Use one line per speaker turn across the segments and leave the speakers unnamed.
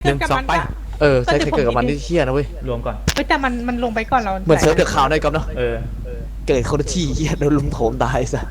1 2ไป
ใช้เกิดกับมันที่เชี่ยนะเว้ย
รวมก่อน
แต่มันลงไปก่อนเรา
เหมือนเซิร์ฟเดือดข่าวได้ก๊อฟเนาะเกิดคนที่เชี่ยโดนลุมโถมตายซะ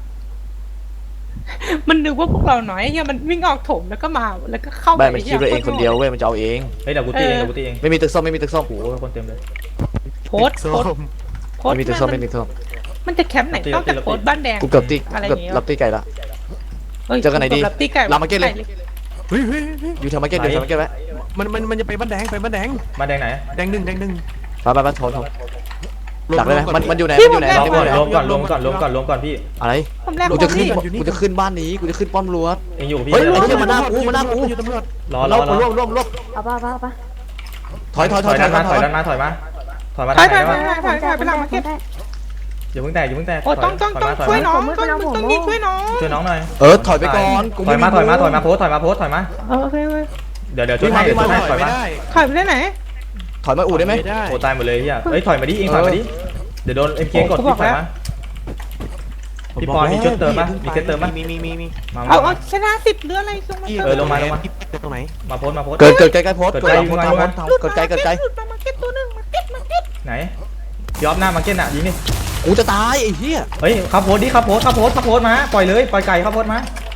มันนึกว่าพวกเราน้อยมันวิ่งออกถมแล้วก็มาแล้วก็เข้าไป
มันคิดว่าเองคนเดียวเว้ยมันจะเอาเอง
เฮ้ยเดี๋ยวกูตีเอง
ไม่มีตึกส้มไม่มีตึกส้ม
โอ้โหคนเต็มเลย
โพส
ไม่มีตึกส้มไม่มีตึกส้ม
มันจะแคมป์ไหนต้องจากโพสบ้านแดง
กูเกือบตีรับตีไก่ละเจอกันไหนดีลามาเก็ตเลย
เฮ้ย
อยู่แถวมาเก็ตอยู่แถวมาเก็ตไว้
มันจะไปบ้านแดง
บ้านแดงไหน
แดงหนึ่ง
ไปโถดักเลยมันอยู่ไหน
รวมก่อนพี่
อะไรกูจะขึ้นบ้านนี้กูจะขึ้นป้อมรั้ว
เองอยู่พี่
เฮ้ยไอ้เหี้ยมันหน้ากู
รอ
เอาป่ะถอย
ด้านมาถอยมาไปหลังมาเก็ตอย่าเพิ่งแตก
โอ้ต้องช่วยน้องต้องยิงช่วยน้
องหน่อย
ถอยไปก่อน
ถอยมาโพสถอยมา
โอเค
เดี๋ยวช่วยให้ถอยมา
ถอยไปได้ไหน
ถอยมาอู่ได้ไหม
โอ้ตายหมดเลยเฮียเฮ้ยถอยมาดิเองถอยมาดิเดี๋ยวโดนเอ็มเคกดที่ถอยมาพี่ปอนมีชุดเติมป่ะมีเซตเติมป่ะ
มี
เอาชนะ10เรืออะไรส่งมา
ลงมา
ตรงไหน
มาโพส
เกิดใกล้โพสเกิดใกล้
มาเก็ตตัวนึงมาเก็ต
ไหนยอมหน้ามาเก็ตน่ะยิงนี่
กูจะตายไอ้เหี้ย
เฮ้ยขับโพสดิขับโพสมาปล่อยเลยปล่อยไก่ขับโพสมา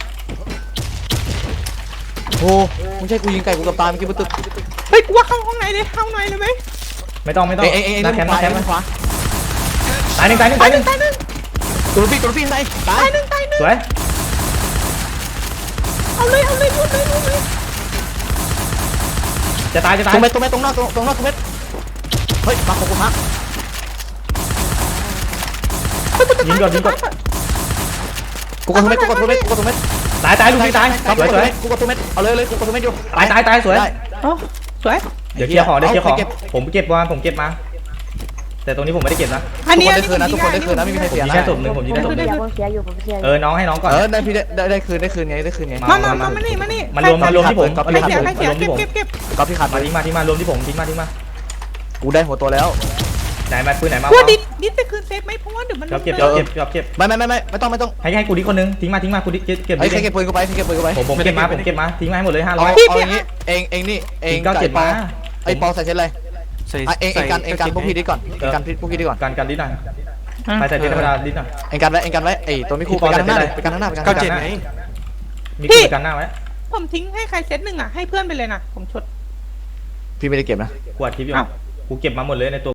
โอ้มึงใช่กูยิงไก่กูกับตายเมื่อกี้มันตึก
เฮ้ยกูว่าเข้าห้องไหนเลยเข้าไหนเลยไหม
ไม่ต้อง
นักแคมป์ขวา
ตายหนึ่ง
ตัวพี่ตาย
หนึ่ง
สวย
เอาเลย
จะตาย
ตรงเม็ดตรงนอกตรงเม็ดเฮ้ยมาของกูพัก
ยิงก่อน
กูกดตัวเม็ด
ตายลูกพี่ตายสวย
กูกดตัวเม็ดเอาเลยกูกดตัวเม็ดอยู่
ตายสวย
สวย
เดี๋ยวเคลียร์ของผมเก็บมาแต่ตรงนี้ผมไม่ได้เก็บนะ
อันนี้
ทุกคนได้คืนนะไม่มีใครเสียนะ
แค่ศพหนึ่งผมยิงได้ศพหนึ่งน้องให้น้องก่อน
ได้พี่ได้คืนไง
มานี่
มันรวมที่ผม
เก็บ
ก็พี่ขาด
มาทิ้งมารวมที่ผมทิ้งมา
กูได้หัวตัวแล้ว
ไหนมาปืนไหนมา
ว่าดิจะคืนเซฟไหมเพราะว่าเดี๋ยวมัน
เก็บ
ไม่ต้อง
ให้กูดิคนนึงทิ้งมากูดิเก็บ
ใครเก็บปืนกูไป
ผมเก็บมาทิ้งมาให้หมดเลย500
เอาอย่างนี้เองนี่เอง
เก็บมา
ไอ้ปอใส่เช่นไรเองกันพวกพี่ดิก่อนกันพวกพี่ดิก่อน
กันดิหน่อยไปใส่ดิธรรมดาดิหน่อย
เองกันไว้ไอ้ตัวไม่คู่ไปกันข้างหน้า
ไงมีคู่กันหน้าไว้
ผมทิ้งให้ใครเซตหนึ่งอ่ะให้เพื่อนไปเลยนะผมชด
พี่ไม่ได้เก็บนะ
กูอัดคลิปอยู่กูเก็บมาหมดเลยในตัว